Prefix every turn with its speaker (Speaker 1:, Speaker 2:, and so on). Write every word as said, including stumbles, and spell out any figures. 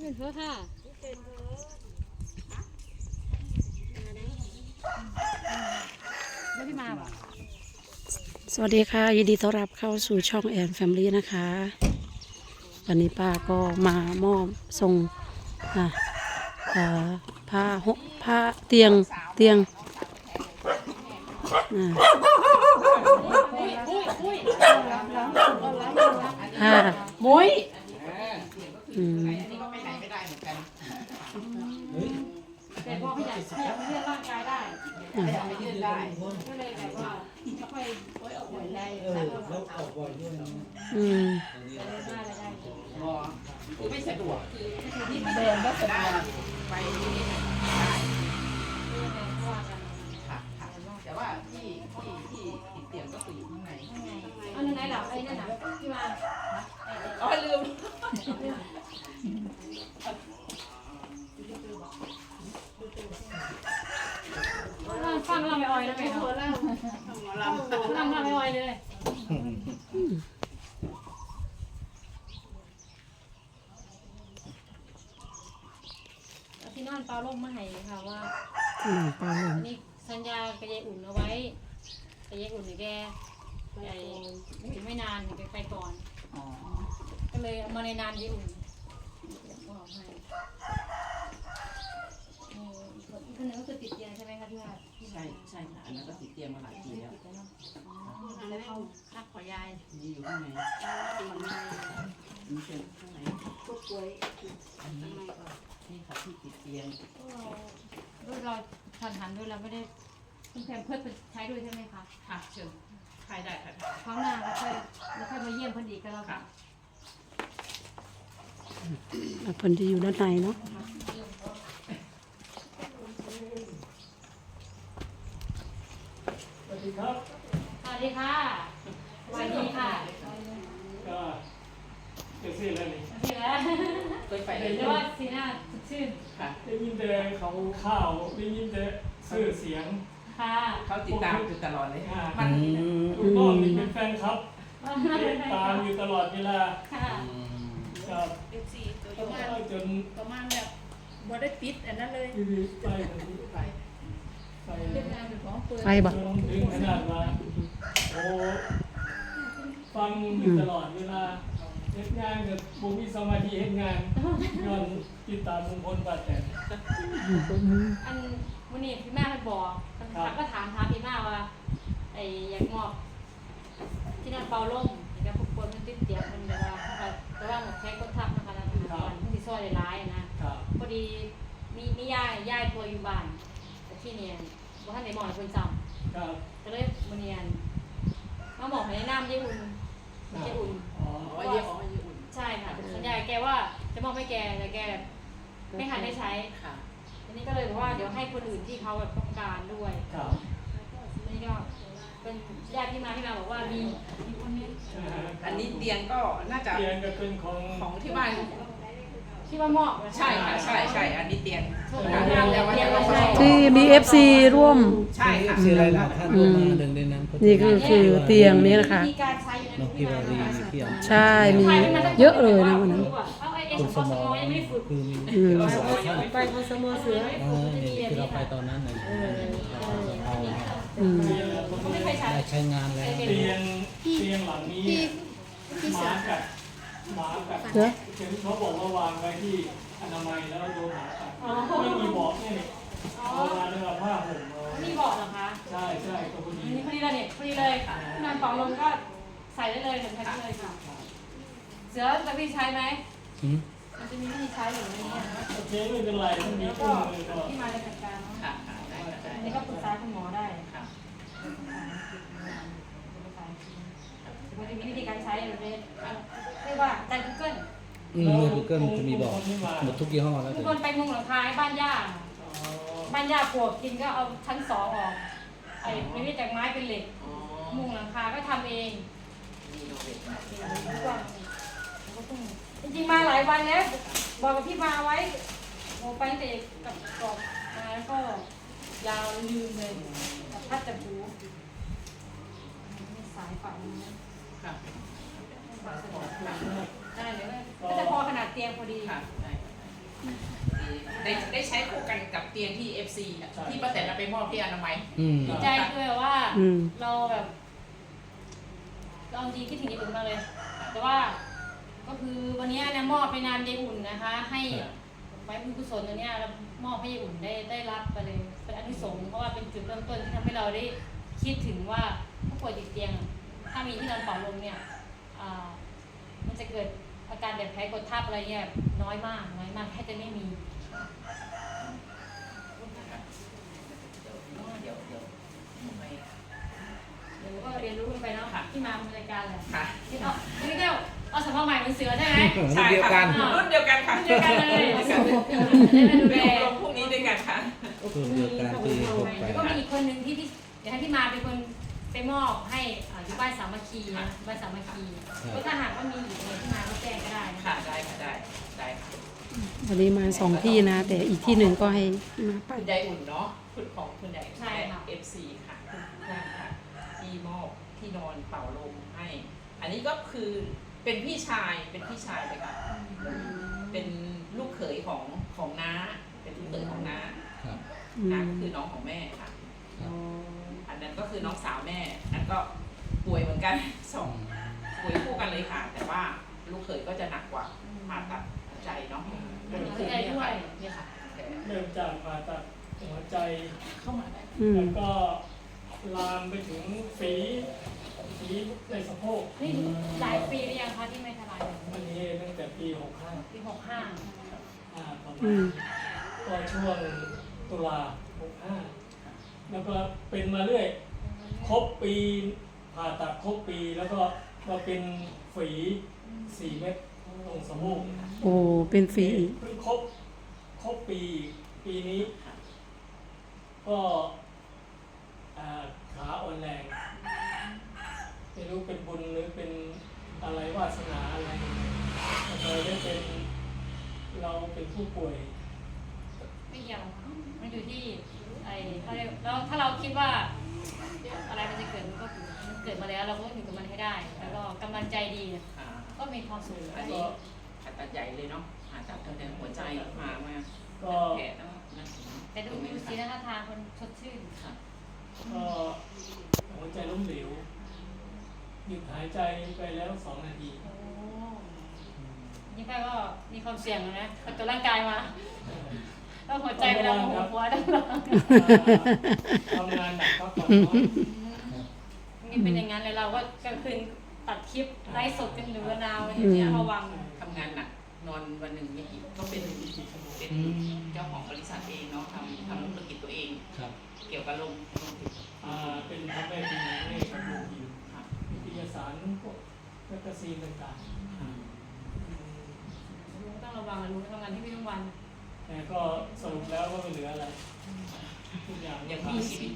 Speaker 1: เป็นเพื่อค่ะไม่พี่มาบ่สวัสดีค่ะยินดีต้อนรับเข้าสู่ช่องแอนแฟมิลี่นะคะวันนี้ป้าก็มามอบส่งผ้าหกผ้าเตียงเตียงค่ะมุ้ยอืมแต่พอขยับขยับไม่เลื่อนร่างกายได้ขยับไม่เลื่อนได้ก็เลยแบบว่าไม่ค่อยโอยออกบ่อยได้แล้วออกบ่อยด้วยอืมได้ได้ได้คือไม่สะดวกคือที่เดินก็สะดวกไปได้แต่ว่าที่ที่ที่ติดเตียงก็คืออยู่ข้างในอันนั้นไหนหลับไอ้นั่นน่ะที่มาอ๋อลืมฟังเราไม่อ่อยนะแม่เนาะฟังเราไม่อ่อยเลยที่นอนเปล่าลมมาให้ค่ะว่าอันนี้สัญญากับยายอุ่นเอาไว้แต่ยายอุ่นเนี่ยแกใหญ่ถึงไม่นานแกไปก่อนก็เลยเอามาในนานยายอุ่นบอกให้คนนึงก็คือติดเตียงใช่ไหมคะพี่ว่าใช่ใช่ค่ะอันนั้นก็ติดเตียงมาหลายปีแล้วแล้วเขาพักขอยายนี่อยู่ข้างในนี่เป็นข้างในพวกป่วยอันนี้นี่ค่ะที่ติดเตียงด้วยเราทันหันด้วยเราไม่ได้คุณแพมเพื่อใช้ด้วยใช่ไหมคะค่ะเชิญใครได้ค่ะครั้งหน้าเราค่อยเราค่อยมาเยี่ยมเพิ่นอีกก็แล้วกันเพิ่นจะอยู่ด้านในเนาะ
Speaker 2: สวัสดีครับ
Speaker 1: สวัสดีค่ะสวัสดีค่ะ
Speaker 2: ก็เกิดสิ่งอะไรนี่
Speaker 1: สิ่งแล้วเคยไปเลยเรียกว่าสีหน้าสดชื่น
Speaker 2: ค่ะได้ยินแต่เขาข่าวได้ยินแต่สื่อเสียง
Speaker 1: ค่ะ
Speaker 3: เขาติดตามอยู่ตลอดเลย
Speaker 2: มันลูกน้องนี่เป็นแฟนครับติดตามอยู่ตลอดเวลา
Speaker 1: ค่ะ
Speaker 2: ครับ
Speaker 4: เอฟซีตัวประมาณจนประมาณแบบบ่ได้ปิดอันนั้นเลย
Speaker 2: ไปไปไป
Speaker 1: ไปบ่
Speaker 2: ถึงขนาดว่าโอ้ฟังอยู่ตลอดเวลาเฮ็ดงานกับบุมีสมาธิเฮ็ดงานย้อนติดตามลุงพลป้าแตน
Speaker 1: อันวันนี้พี่แม่เพิ่นบอกเขาก็ถามถามพี่แม่ว่าไอ้อยากมอบที่นั่นเป่าลมแล้วพวกคนมันติดเตียงมันแบบว่าแต่ว่าหมดแค่กดทับนะคะแล้วมันสิซอยหลายๆนะพอดีมีมียายยายป่วยอยู่บ้านแต่ที่เนี่ยบ่ทันได้หมอเพิ่นจำ
Speaker 2: ครับ
Speaker 1: ก็เลยมื้อนี้มาบอกให้น้ำยายอุ่นยายอุ่น
Speaker 3: อ๋อเยอะอ๋อยายอุ่น
Speaker 1: ใช่ค่ะสัญญาแกว่าจะมอบให้แกแต่แกไม่ทันได้ใช้
Speaker 3: ค่ะ
Speaker 1: อันนี้ก็เลยบอกว่าเดี๋ยวให้คนอื่นที่เขาแบบต้องการด้วย
Speaker 2: ครับ
Speaker 1: นี่ก็เป็นญาติที่มาที่มาบอกว่ามีมีคนนี้
Speaker 3: อันนี้เตียงก็น่าจะ
Speaker 2: เตียงก็เป็นของ
Speaker 3: ของที่บ้าน
Speaker 1: ที่ว่ามอบ
Speaker 3: ใช่ค่ะใช่ใช่อันนี้เตียง
Speaker 5: ที่มี เอฟ ซี ร่วม
Speaker 3: ใช่ค่ะ
Speaker 5: ชื่ออะไรนะท่านมาหนึ่งในนั้นนี่คือคือเตียงนี้นะคะ
Speaker 1: นกพิรา
Speaker 5: บีพี่อ๋อ
Speaker 1: ใช่
Speaker 5: มีเยอะเลยนะวันนั้น
Speaker 1: คุณสมองยังไม่ฝึก
Speaker 5: คือมี
Speaker 1: ไปคุณสมองเสือ
Speaker 5: ที่เราไปตอนนั้นเลย
Speaker 1: ได้
Speaker 5: ใช้งานแล้ว
Speaker 2: เตียงเตียงหลังนี้หมากัดหมากัดเห็นเขาบอกว่าวางไว้ที่อนามัยแล้วโดนหมากัดไม่มีเบาะนี่เอามาเรื่องผ้าห่ม
Speaker 1: นี่เบาะเหรอคะ
Speaker 2: ใช่ใช่ก็พอดี
Speaker 1: นี่พอดีเลยเนี่ยพอดีเลยนอนเป่าลมก็ใส่ได้เลยถึงใช้ได้เลยค่ะเสือจะพี่ใช้ไหมมันจะมีวิธีใช้หรือไม่เนี่ย
Speaker 2: โอเคไม่เป็นไรมันมีเครื่องมือก็
Speaker 1: ที่มาในจัดการเนาะ
Speaker 3: ค่ะได้ได้
Speaker 1: นี่ก็ปรึกษาคุณหมอได้
Speaker 3: ค่ะ
Speaker 1: มันจะมีวิธีการใช้แบบนี้เรียกว่าใจกูเกิล
Speaker 5: อืมกูเกิลจะมีบอกหมดทุกยี่ห้อแล้ว
Speaker 1: ทุกคนไปมุงหลังคาบ้านย่าบ้านย่าปวกกินก็เอาชั้นสองออกไอ้ไม่ได้จากไม้เป็นเหล็กมุงหลังคาก็ทำเองจริงๆมาหลายวันแล้วบอกกับพี่มาไว้โมไปเตะกับกรอบมาแล้วก็ยาวลืมเลยกับพัดจับหูสายฝัง
Speaker 3: ค่ะ
Speaker 1: ได้เลยก็จะพอขนาดเตียงพอดี
Speaker 3: ได้ได้ใช้คู่กันกับเตียงที่ เอฟ ซี อ่ะที่ป้าแตนเอาไปมอบที่อนามัย
Speaker 5: อืม
Speaker 1: ดีใจด้วยว่า
Speaker 5: อืม
Speaker 1: เราแบบเราจริงคิดถึงยายอุ่นมากเลย แต่ว่าก็คือวันนี้เนี่ยมอบไปนามยายอุ่นนะคะ ให้ไว้บุญกุศลตัวเนี้ยเรามอบให้ยายอุ่นได้ได้รับไปเลยเป็นอานิสงส์เพราะว่าเป็นจุดเริ่มต้นที่ทำให้เราได้คิดถึงว่าผู้ป่วยติดเตียง ถ้ามีที่นอนเป่าลมเนี่ยอ่ามันจะเกิดอาการแบบแพ้กดทับอะไรเงี้ยน้อยมากน้อยมากแค่จะไม่มี
Speaker 3: เดี๋ยวเดี๋ยวไป
Speaker 1: เดี๋ยวก็เรียนรู้กันไปเนาะที่มาในรายการแหละ
Speaker 3: ค่ะ
Speaker 1: นี่เอานี่เดียวเอาสมภาใหม่เป็นเสือใช่ไหม
Speaker 3: ใช่
Speaker 5: เดียวกั
Speaker 3: ค่ะ
Speaker 5: น
Speaker 3: รุ่นเดียวกันค่ะ
Speaker 1: เดียวกันเลย
Speaker 3: รุ่น
Speaker 1: จะ
Speaker 3: เดียวกัน
Speaker 1: ได้มาดู
Speaker 3: ไป
Speaker 1: แล
Speaker 3: อบรมพรุ่งนี้ด้วยกันค่ะ
Speaker 5: รุ่นเดียวกันปีหกแป
Speaker 1: แล้ว
Speaker 5: ด
Speaker 1: ก็มีอีกคนหนึ่งที่ที่เดี๋ยวให้พี่มาเป็นคนไปมอบให้อ่าอยู่บ้านสามัคคีนะบ้านสามัคคีก็ถ้าหากว่ามีอีกเนี่ยที่มาก็แจ้งก็ได้นะ
Speaker 3: ค่ะได้ค่ะได้ได้ค่ะ
Speaker 5: วันนี้มาสองที่นะ แต่อีกที่หนึ่งก็ให้มาไป
Speaker 3: คุณยายอุ่นเนาะคุณของคุณยายเอฟซีค่ะทุกท่านค่ะที่มอบที่นอนเป่าลมให้ อันนี้ก็คือเป็นพี่ชายเป็นพี่ชายเลยค่ะเป็นลูกเขยของของน้าเป็นลูกเขยของน้า
Speaker 5: ครับ
Speaker 3: น้าก็คือน้องของแม่ค่ะ
Speaker 5: ครับ
Speaker 3: อันนั้นก็คือน้องสาวแม่นั่นก็ป่วยเหมือนกันสองป่วยคู่กันเลยค่ะ แต่ว่าลูกเขยก็จะหนักกว่าผ่าตัดหัวใจเนาะ
Speaker 1: เข้าใจด้วยเนี่ยค่ะ
Speaker 2: เริ่มจากผ่าตัดหัวใจ
Speaker 3: เข้ามาได้
Speaker 5: อืม
Speaker 2: แล้วก็ลามไปถึงฝีฝีในสะโพก
Speaker 1: นี่หลายปีหรือยังคะที่ไม่ทลาย
Speaker 2: อันนี้ตั้งแต่ปีหกห้า
Speaker 1: ปีหกห้า
Speaker 2: อ่าประมา
Speaker 5: อื
Speaker 2: ณ
Speaker 5: ม
Speaker 2: ก็ช่วงตุลาหกห้าแล้วก็เป็นมาเรื่อยครบปีผ่าตัดครบปีแล้วก็มาเป็นฝีสี่เม็ดตรงสะโพก
Speaker 5: โอ้เป็นฟรีอีก
Speaker 2: เพิ่งครบครบปีปีนี้ ก็อ่าขาอ่อนแรงไม่รู้เป็นบุญหรือเป็นอะไรวาสนาอะไรเราได้เป็นเราเป็นผู้ป่วย
Speaker 1: ไม่เกี่ยวมันอยู่ที่ไอ้เขาเรียกแล้วถ้าเราคิดว่าอะไรมันจะเกิดมันก็มันเกิดมาแล้วเราก็ต้องอยู่กับมันให้ได้ แล้วก็กำลังใจดีเนี่ย
Speaker 3: อ่า
Speaker 1: ก็มีความสุข
Speaker 3: อันนี้ผ่าตัดใหญ่เลยเนาะผ่าตัดตั้งแต่หัวใจมามา
Speaker 2: ก็
Speaker 3: แผลแล้วนะ
Speaker 1: แต่ดูดูสีหน้าทางคนสดชื่น
Speaker 3: ค่ะ
Speaker 2: ก็หัวใจล้มเหลวหยุดหายใจไปแล้วสองนาที
Speaker 1: โอ้นี่ไปก็มีความเสี่ยงแล้วนะเอาตัวร่างกายมาแล้วหัวใจเวลาหัวหัวต้องรอ
Speaker 2: ทำงานหนักพักผ่อนน้อย
Speaker 1: นี่เป็นอย่างนั้นเลยเราก็กลางคืนตัดคลิปไลฟ์สดกันหรือว่านาวอย่างเงี้ยระวัง
Speaker 3: ทำงานหนักนอนวันหนึ่งไม่กี่ก็เป็นเป็นเจ้าของบริษัทเองเนาะทำทำธุรกิจตัวเอง
Speaker 5: ครับ
Speaker 3: เกี่ยวกับลมลมติด
Speaker 2: อ่าเป็นทำแม่พิมพ์ให้กับโรงพิมพ์
Speaker 3: ค่ะ
Speaker 2: นิตยสารพวกแมกกาซีนต่างๆอืม
Speaker 1: ลุงต้องระวังนะลุงทำงานที่พี่ทุกวัน
Speaker 2: แต่ก็สรุปแล้วก็ไม่เหลืออะไรทุกอย่าง
Speaker 3: ยังมีชีวิต